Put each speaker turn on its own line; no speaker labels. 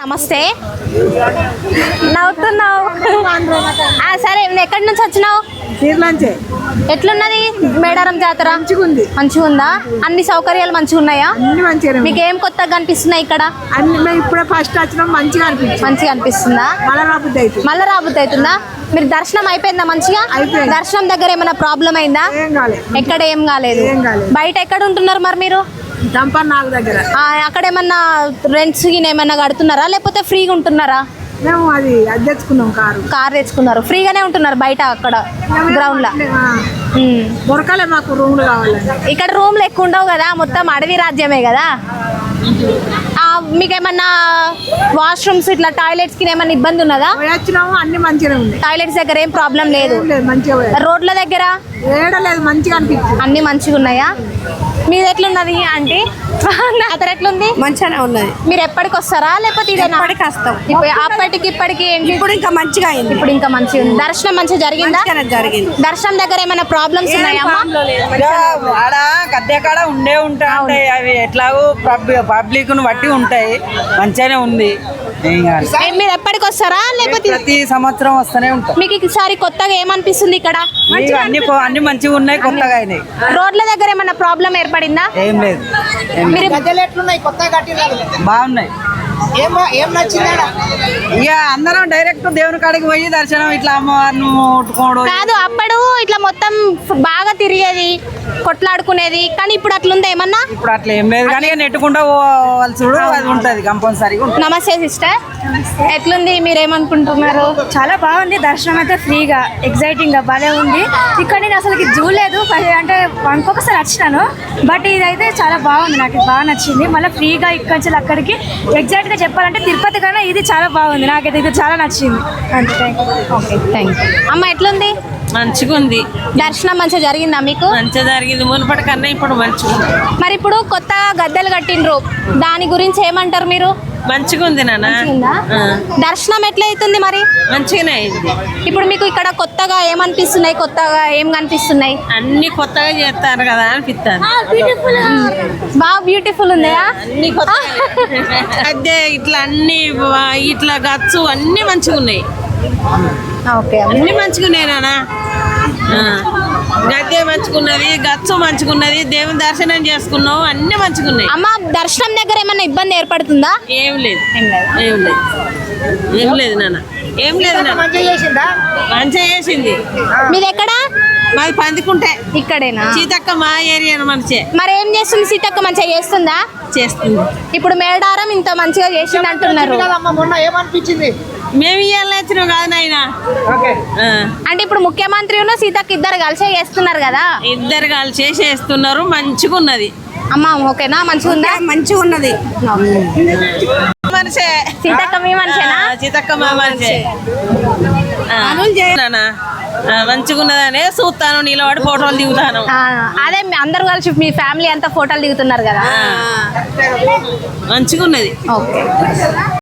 నమస్తే. నవ్వుతున్నావు? సరే, ఎక్కడి నుంచి వచ్చినావు? ఎట్లున్నది మేడారం జాతర? మంచిగా ఉందా? అన్ని సౌకర్యాలు మంచిగా ఉన్నాయా? మీకు ఏం కొత్తగా కనిపిస్తున్నాయి ఇక్కడ?
ఇప్పుడే ఫస్ట్ వచ్చినా మంచిగా
అనిపిస్తుందా? మళ్ళీ రాబుద్ది అవుతుందా? మీరు దర్శనం అయిపోయిందా మంచిగా? దర్శనం దగ్గర ఏమైనా ప్రాబ్లం అయిందా? ఎక్కడ ఏం కాలేదు. బయట ఎక్కడ ఉంటున్నారు మరి మీరు? అక్కడ ఏమన్నా రెంట్స్ ఏమన్నా కడుతున్నారా లేకపోతే ఫ్రీగా ఉంటున్నారా?
మేము అది తెచ్చుకున్నాం,
కార్ తెచ్చుకున్నారు. ఫ్రీగానే ఉంటున్నారు బయట అక్కడ గ్రౌండ్ లో?
దొరకలే మాకు రూమ్లు కావాలి.
ఇక్కడ రూమ్లు ఎక్కువ ఉండవు కదా, మొత్తం అడవి రాజ్యమే కదా. మీకేమన్నా వాష్రూమ్స్ ఇట్లా టాయిలెట్స్ కి ఏమన్నా ఇబ్బంది ఉన్నదా?
అన్ని మంచిగా ఉంది.
టాయిలెట్స్ దగ్గర ఏం ప్రాబ్లం లేదు. రోడ్ల దగ్గర
మంచిగా అనిపిస్తుంది.
అన్ని మంచిగా ఉన్నాయా? మీది ఎట్లున్నది ఆంటీ? అతను ఎట్లుంది?
మంచిగానే ఉన్నది.
మీరు ఎప్పటికి వస్తారా లేకపోతే ఇదేనా?
వస్తాం.
అప్పటికి ఇప్పటికి
ఇప్పుడు ఇంకా మంచిగా అయింది.
ఇప్పుడు ఇంకా మంచిగా ఉంది. దర్శనం మంచిగా జరిగిందా?
జరిగింది.
దర్శనం దగ్గర ఏమైనా ప్రాబ్లమ్స్ ఉన్నాయమ్మా?
ఆడ గద్దె కాడ ఉంటాయి. అవి ఎట్లాగో పబ్లిక్ ను బట్టి ఉంటాయి. మంచిగానే ఉంది.
మీరు ఎప్పటికి వస్తారా లేకపోతే?
ప్రతి సంవత్సరం వస్తూనే ఉంటాం.
మీకు ఈసారి కొత్తగా ఏమనిపిస్తుంది ఇక్కడ?
అన్ని మంచిగా ఉన్నాయి, కొత్తగా అయినాయి.
రోడ్ల దగ్గర ఏమన్నా ప్రాబ్లం ఏర్పడిందా?
ఏం లేదు. బాగున్నాయి. ఇక అందరం డైరెక్ట్ దేవుని కాడికి పోయి దర్శనం ఇట్లా అమ్మవారిని ముట్టుకోవడం
కాదు. అప్పుడు ఇట్లా మొత్తం బాగా తిరిగేది, కొట్లాడుకునేది, కానీ ఇప్పుడు అట్లుందా ఏమన్నా?
ఇప్పుడు అట్లా ఏం లేదు, కానీ నెట్టుకుంటా పోవాల్సి అది ఉంటది కంపల్సరీగా.
నమస్తే సిస్టర్, ఎట్లుంది? మీరేమనుకుంటున్నారు?
చాలా బాగుంది. దర్శనం అయితే ఫ్రీగా ఎగ్జైటింగ్ గా భలే ఉంది. ఇక్కడ నేను అసలు చూడలేదు, అంటే ఇంకొకసారి వచ్చినాను, బట్ ఇదైతే చాలా బాగుంది. నాకు బాగా నచ్చింది. మళ్ళీ ఫ్రీగా ఇక్కడి నుంచి అక్కడికి ఎగ్జాక్ట్ గా చెప్పాలంటే తిరుపతి కన్నా ఇది చాలా బాగుంది. నాకైతే ఇది చాలా నచ్చింది. అంతే.
Okay, thank you. అమ్మ ఎట్లుంది?
మంచిగా ఉంది.
దర్శనం మంచిగా జరిగిందా మీకు?
మంచిగా జరిగింది. మునుపటి కన్నా ఇప్పుడు మంచిగా.
మరి ఇప్పుడు కొత్త గద్దెలు కట్టిండ్రు, దాని గురించి ఏమంటారు మీరు?
మంచిగా ఉంది నాన్న.
దర్శనం ఎట్లా అవుతుంది మరి?
మంచిగానే అయింది.
ఇప్పుడు మీకు ఇక్కడ కొత్తగా ఏమనిపిస్తున్నాయి? కొత్తగా ఏం కనిపిస్తున్నాయి?
అన్ని కొత్తగా చేస్తారు కదా అనిపిస్తారు.
బాగా బ్యూటిఫుల్ ఉందా?
అన్ని కొత్త అదే ఇట్లా అన్ని ఇట్లా గచ్చు అన్ని మంచిగా ఉన్నాయి.
ఓకే,
అన్ని మంచిగా ఉన్నాయి నాన్న. గద్దె మంచుకున్నది, గచ్చు మంచుకున్నది, దేవుని దర్శనం చేసుకున్నాం, అన్ని మంచిగా ఉన్నాయి.
అమ్మ, దర్శనం దగ్గర ఏమన్నా ఇబ్బంది ఏర్పడుతుందా?
ఏం లేదు నాన్న, ఏం లేదు నాన్న. మంచిగా చేసింది.
మీది ఎక్కడ?
మాది పందికుంటే.
ఇక్కడేనా?
సీతక్క మా ఏరియా మంచి.
మరి ఏం చేస్తుంది సీతక్క? మంచిగా చేస్తుందా?
చేస్తుంది.
ఇప్పుడు మేడారం ఇంత మంచిగా చేసింది అంటున్నారు.
ఏమనిపించింది?
మేము ఇవాళ వచ్చినాం కాదు నాయన.
అంటే ఇప్పుడు ముఖ్యమంత్రి సీతక్క ఇద్దరు కలిసే చేస్తున్నారు కదా?
ఇద్దరు కలిసే చేస్తున్నారు. మంచిగా ఉన్నది.
అమ్మ ఓకేనా? మంచిగా ఉందా?
మంచిగా ఉన్నది.
మనిషే
సీతక్క మీ మనిషేనా?
సీతక్క మా మనిషే. మంచిగా ఉన్నదనే చూస్తాను, నిలబడి ఫోటోలు దిగుతాను.
అదే అందరు కలిసి మీ ఫ్యామిలీ అంతా ఫోటోలు దిగుతున్నారు కదా?
మంచిగా ఉన్నది.
ఓకే.